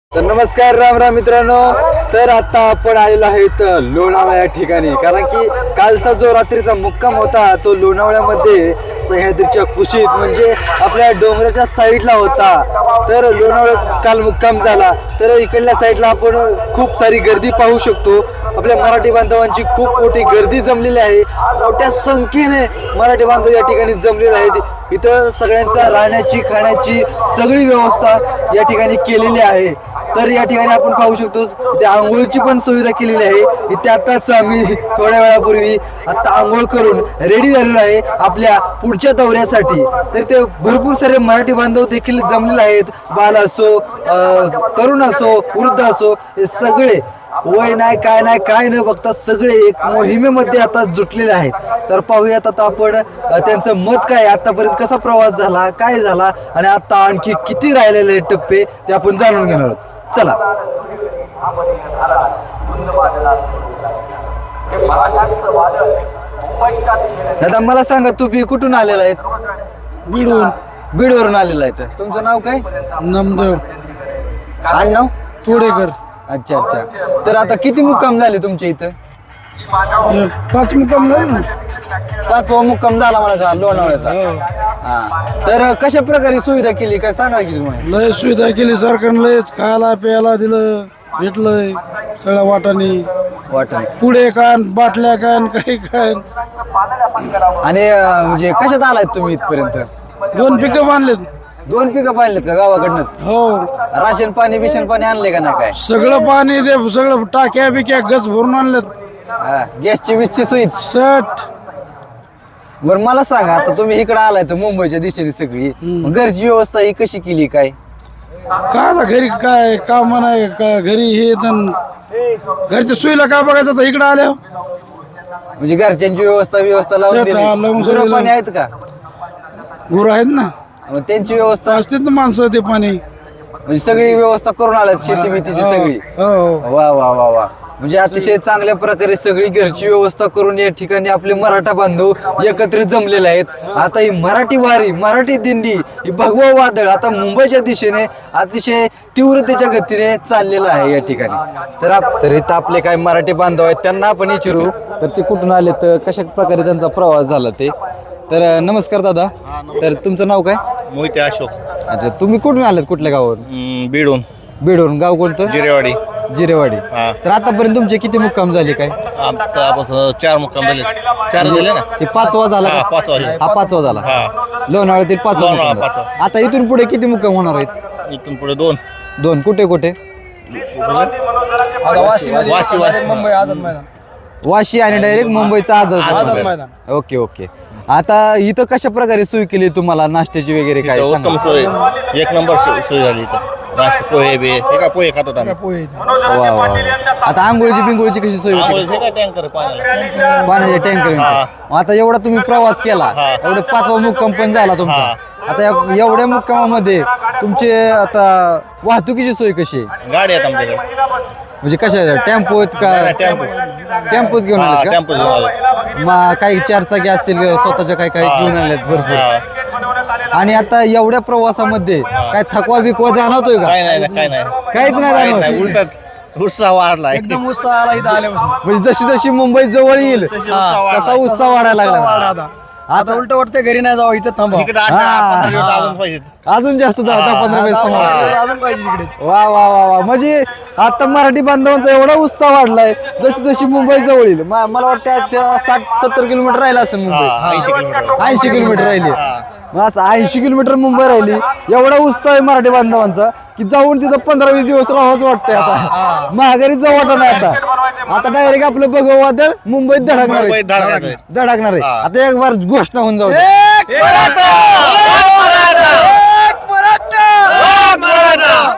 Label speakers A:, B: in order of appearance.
A: तर नमस्कार राम राम मित्रांनो. तर आता आपण आलेलो आहेत लोणावळा या ठिकाणी, कारण की कालचा जो रात्रीचा मुक्काम होता तो लोणावळ्यामध्ये सह्याद्रीच्या कुशीत म्हणजे आपल्या डोंगराच्या साईडला होता. तर लोणावळ्यात काल मुक्काम झाला. तर इकडल्या साईडला आपण खूप सारी गर्दी पाहू शकतो. आपल्या मराठी बांधवांची खूप मोठी गर्दी जमलेली आहे. मोठ्या संख्येने मराठी बांधव या ठिकाणी जमलेले आहेत. इथं सगळ्यांचा राहण्याची खाण्याची सगळी व्यवस्था या ठिकाणी केलेली आहे. तर या ठिकाणी आपण पाहू शकतो इथे आंघोळीची पण सुविधा केलेली आहे. इथे आताच आम्ही थोड्या वेळापूर्वी आता आंघोळ करून रेडी झालेलो आहे आपल्या पुढच्या दौऱ्यासाठी. तर ते भरपूर सारे मराठी बांधव देखील जमलेले आहेत. बाल असो, तरुण असो, वृद्ध असो, हे सगळे वय नाही काय न बघता सगळे एक मोहिमेमध्ये आता जुटलेले आहेत. तर पाहूयात आता आपण त्यांचं मत काय, आतापर्यंत कसा प्रवास झाला, काय झाला आणि आता आणखी किती राहिलेले टप्पे ते आपण जाणून घेणार आहोत. चला. दादा मला सांगा, तुम्ही कुठून आलेला आहेत? बीडवरून आलेला आहे. तुमचं नाव काय?
B: नामदेव
A: आडनाव
B: तोडेकर.
A: अच्छा अच्छा. तर आता किती मुक्काम झाले तुमच्या इथं?
B: 5 मुक्काम झाले ना.
A: 5वा मुक्काम झाला मला लोणावळ्याचा. हा. तर कशा प्रकारे सुविधा केली काय सांगा की तुम्ही?
B: लय सुविधा केली सरकारने. लयच खायला प्यायला दिलं, भेटलंय सगळ्या वाटाने.
A: वाटण
B: पुढे कान, बाटल्या कान, काही कान.
A: आणि म्हणजे कशात आलात तुम्ही इथपर्यंत?
B: 2 पिकं बांधलेत.
A: 2 पिकं पाहिलेत का गावाकडनंच?
B: हो,
A: राशन पाणी बिशन पाणी आणले का नाही काय?
B: सगळं पाणी ते सगळं टाक्या बिक्या गच भरून आणलेत.
A: गॅसची वीजची सोयी.
B: सट
A: बरं मला सांगा, आता तुम्ही इकडे आलाय तर मुंबईच्या दिशेने सगळी, मग घरची व्यवस्था ही कशी केली काय?
B: काय आता घरी काय काम नाही का घरी हे घरच्या सोयीला काय बघायचं आता इकडे आल्या.
A: म्हणजे घरच्यांची व्यवस्था लावून दिली.
B: लावून
A: गुरं
B: सगळं
A: पाणी आहेत का?
B: गुरु आहेत ना,
A: मग त्यांची व्यवस्था
B: असतात ना माणसं ते पाणी.
A: म्हणजे सगळी व्यवस्था करून आल्यात शेती बितीची सगळी.
B: हो,
A: वा वा वा वा. म्हणजे अतिशय चांगल्या प्रकारे सगळी घरची व्यवस्था करून या ठिकाणी आपले मराठा बांधव एकत्रित जमलेले आहेत. आता ही मराठी वारी, मराठी दिंडी, ही भगवा वादळ आता मुंबईच्या दिशेने अतिशय तीव्रतेच्या गतीने चाललेलं आहे या ठिकाणी. तर इथं आपले काही मराठी बांधव आहेत, त्यांना आपण विचारू तर ते कुठून आले, तर कशा प्रकारे त्यांचा प्रवास झाला ते. तर नमस्कार दादा. तर तुमचं नाव काय?
C: मोहिते अशोक.
A: अच्छा, तुम्ही कुठून आलात, कुठल्या गावावरून?
C: बीडून.
A: बीडवरून. गाव कोणतं?
C: जिरेवाडी.
A: जिरेवाडी.
C: हा.
A: तर आतापर्यंत तुमचे किती मुक्काम झाले काय?
C: आतापासून 4 मुक्काम झाले. 4 झाले ना.
A: हे 5वा झाला
C: हा,
A: का?
C: 5वा झाला.
A: हा 5वा झाला.
C: हा.
A: लोणावळ्यातील 5वा
C: लोणावळा
A: मुक्काम झाला.
C: 5वा.
A: आता इथून पुढे किती मुक्काम होणार आहेत?
C: इथून पुढे 2.
A: 2. कुठे कुठे? वाशी आणि डायरेक्ट मुंबईचा आझाद मैदान. Okay okay. आता इथं कशा प्रकारे सोय केली तुम्हाला नाश्त्याची वगैरे काय
C: इथं उत्तम
A: सांगा?
C: सोय, 1 नंबर सोय झाली इथं. नाश्ता पोहे बे हे का पोहे खात होता आम्ही.
A: वा वा वा. आता आंघोळीची बिंगोळीची कशी सोय होती?
C: आंघोळीचं हे काय टँकर पाण्याला.
A: पाण्याचे टँकर.
C: हा.
A: आता एवढा तुम्ही प्रवास केला,
C: हा.
A: एवढे 5वा मुक्काम पण झाला तुमचा.
C: हा.
A: आता एवढ्या मुक्कामामध्ये तुमचे आता वाहतुकीची सोय कशी आहे?
C: गाडी आहेत आमच्याकडे.
A: म्हणजे कशा टेम्पो आहेत का?
C: टेम्पो.
A: टेम्पोच घेऊन आलेत का?
C: टेम्पो घेऊन आलो.
A: मग काही 4 चाकी असतील स्वतःच्या काही काही घेऊन आलेत भरपूर.
C: हा.
A: आणि आता एवढ्या प्रवासामध्ये काय थकवा बिकवा जाणवतोय का?
C: काय नाही काय नाही.
A: काहीच नाही
C: काय
A: जाणवत.
C: नाही, उलटच उत्साह वाढला.
B: एकदम उत्साह आला इथं आल्यापासून.
A: म्हणजे जशी जशी मुंबई जवळ येईल तसा उत्साह वाढायला लागला.
B: आता उलट वाटतं घरी नाही जावं, इथं थांबा.
C: इकडे
A: हा.
C: 15 दिवस अजून पाहिजे.
A: अजून जास्त 10-15 वेळेस थांबा.
B: अजून पाहिजे तिकडे.
A: वा वा वा वा. म्हणजे आता मराठी बांधवांचा एवढा उत्साह वाढलाय जशी जशी मुंबई जवळ येईल. मला वाटतं 60-70 किलोमीटर राहिला असेल मुंबई.
C: 80 किलोमीटर.
A: 80 किलोमीटर राहिली.
C: हा.
A: मग असं 80 किलोमीटर मुंबई राहिली. एवढा उत्साह आहे मराठी बांधवांचा की जाऊन तिथं 15-20 दिवस राहावंच वाटतंय. आता माघारी जाऊ वाटत नाही. आता डायरेक्ट आपलं भगवा वादळ मुंबईत धडकणार
C: मुंबईत धडकायचं
A: आहे.
C: आहे.
A: धडकणार आहे.
C: हा.
A: आता एक बार घोषणा होऊन जाऊ दे.
B: एक मराठा!